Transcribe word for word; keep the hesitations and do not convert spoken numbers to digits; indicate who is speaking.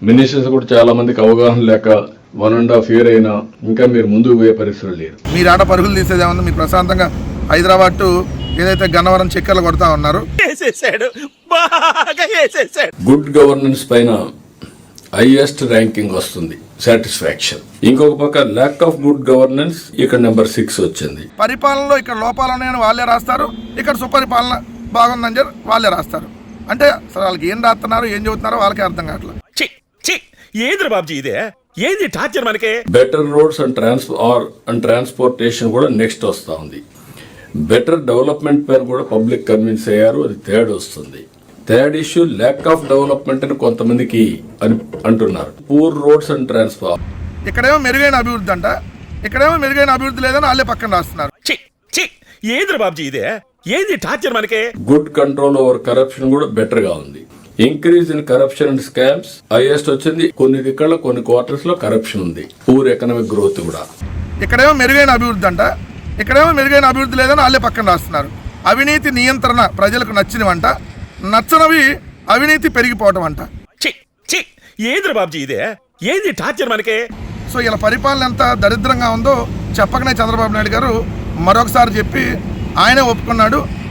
Speaker 1: Ministers కూడా చాలా మందికి అవగాహన లేక వన్ అండ్ హాఫ్ ఇయర్ అయినా ఇంకా మీరు ముందుకు పోయే పరిస్థితులు లేరు.
Speaker 2: మీరు ఆట పరుగులు తీసేది ఏమన్నా మీరు ప్రశాంతంగా హైదరాబాద్ టు ఏదైతే గన్నవరం చక్కెర్లు కొడతా ఉన్నారు.
Speaker 1: గుడ్ గవర్నెన్స్ పైన హైయెస్ట్ ర్యాంకింగ్ వస్తుంది, సాటిస్ఫాక్షన్. ఇంకొక పక్క ల్యాక్ ఆఫ్ గుడ్ గవర్నెన్స్ ఇక్కడ నెంబర్ సిక్స్ వచ్చింది.
Speaker 2: పరిపాలనలో ఇక్కడ లోపాలు ఉన్నాయని వాళ్ళే రాస్తారు, ఇక్కడ సుపరిపాలన బాగుందని చెప్పి వాళ్ళే రాస్తారు. అంటే అసలు వాళ్ళకి ఏం రాస్తున్నారు ఏం చెబుతున్నారో వాళ్ళకే అర్థం కావట్లేదు.
Speaker 3: ఏంద్ర బాబుజీ ఇదే ఏంది టార్చర్ మనకి.
Speaker 1: Better roads and trans R and transportation కూడా నెక్స్ట్ వస్తా ఉంది. బెటర్ డెవలప్మెంట్ పైన కూడా పబ్లిక్ కన్విన్స్ అయ్యారు, అది థర్డ్ వస్తుంది. Third issue lack of development అని కొంతమందికి అని అంటున్నారు. Poor roads and transport.
Speaker 2: ఇక్కడేమో మెరుగైన అభివృద్ధి అంట, ఇక్కడేమో మెరుగైన అభివృద్ధి లేదని వాళ్ళే పక్కన రాస్తున్నారు.
Speaker 3: ఏంద్ర బాబుజీ ఇదే ఏంది టార్చర్ మనకి.
Speaker 1: గుడ్ కంట్రోల్ ఓవర్ కరప్షన్ కూడా బెటర్ గా ఉంది. Increase in corruption and scams highest వచ్చింది. కొన్ని దిక్కల్లో కొన్ని క్వార్టర్స్ లో కరప్షన్ ఉంది. పూర్ ఎకనామిక్ గ్రోత్ కూడా.
Speaker 2: ఇక్కడేమో మెరుగైన అభివృద్ధి అంట, ఇక్కడేమో మెరుగైన అభివృద్ధి లేదని వాళ్ళే పక్కన రాస్తున్నారు. అవినీతి నియంత్రణ ప్రజలకు నచ్చినవంట, నచ్చనవి అవినీతి పెరిగిపోవటం అంట.
Speaker 3: ఏంద్ర బాబుజీ ఇదే ఏంది టార్చర్ మనకి.
Speaker 2: సో ఇలా పరిపాలన ఎంత దరిద్రంగా ఉందో చెప్పకనే చంద్రబాబు నాయుడు గారు మరొకసారి చెప్పి ఆయనే ఒప్పుకున్నాడు.